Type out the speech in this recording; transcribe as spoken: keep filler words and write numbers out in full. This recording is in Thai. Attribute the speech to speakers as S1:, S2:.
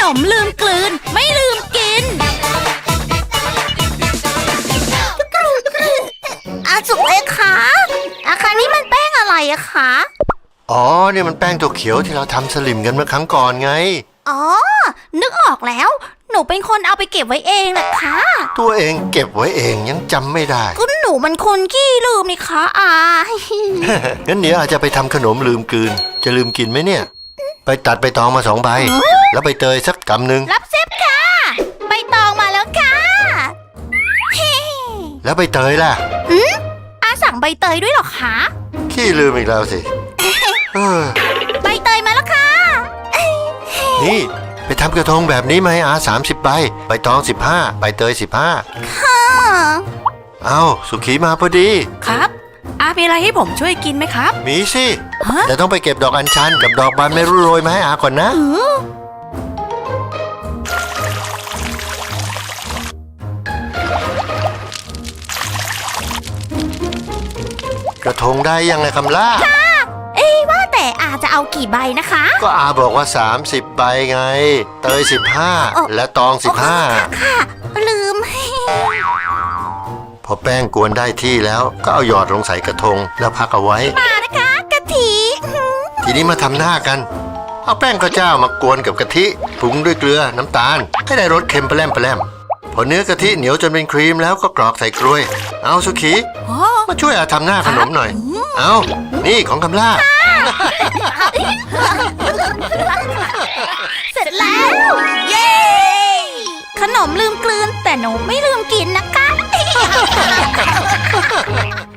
S1: มลืมกลืนไม่ลืมกินอาสุกเลยคะอาคานี่มันแป้งอะไรอะคะ
S2: อ๋อเนี่ยมันแป้งตัวเขียวที่เราทำสลิมกันเมื่อครั้งก่อนไง
S1: อ๋อนึกออกแล้วหนูเป็นคนเอาไปเก็บไว้เองนะคะ
S2: ตัวเองเก็บไว้เองยังจำไม่ได้
S1: ก็หนูมันคนขี้ลืมนี่คะอา
S2: งั้นเดี๋ยวอาจจะไปทำขนมลืมกลืนจะลืมกินไหมเนี่ยไปตัดใบตองมาสองใบแล้วใบเตยสักกำหนึ่ง
S1: รับเซฟค่ะใบตองมาแล้วค่ะ
S2: แล้วใบเตยล่ะ
S1: อืมอาสั่งใบเตยด้วยหรอคะ
S2: ขี้ลืมอีกแล้วสิ
S1: ใบเตยมาแล้วค่ะ
S2: นี่ไปทำกระทงแบบนี้ไหมอาสามสิบใบใบตองสิบห้าใบเตยสิบห้า
S1: ค่ะ
S2: เอาสุขีมาพอดี
S1: ครับอามีอะไรให้ผมช่วยกินไหมครับ
S2: มีสิแต่ต้องไปเก็บดอกอัญชันกับดอกบานไม่รู้โรยมาให้อาก่อนนะกระทงได้ยังไงคำล่า
S1: ค่ะเอ้ว่าแต่อาจะเอากี่ใบนะคะ
S2: ก็อาบอกว่าสามสิบใบไงเตยสิบห้าและตองสิบห้า
S1: ค่ะลืม
S2: พอแป้งกวนได้ที่แล้วก็เอาหยอดลงใส่กระทงแล้วพักเอาไว้
S1: มานะคะกะทิ
S2: ทีนี้มาทำหน้ากันเอาแป้งข้าวเจ้ามากวนกับกะทิปรุงด้วยเกลือน้ำตาลให้ได้รสเค็มแปร่มแปร่มพอเนื้อกะทิเหนียวจนเป็นครีมแล้วก็กรอกใส่กล้วยเอาสุขีมาช่วยอาทำหน้าขนมหน่อยเอานี่ของคำล่า
S1: เสร็จแล้วเย้ขนมลืมกลืนแต่หนูไม่ลืมกินนะคะ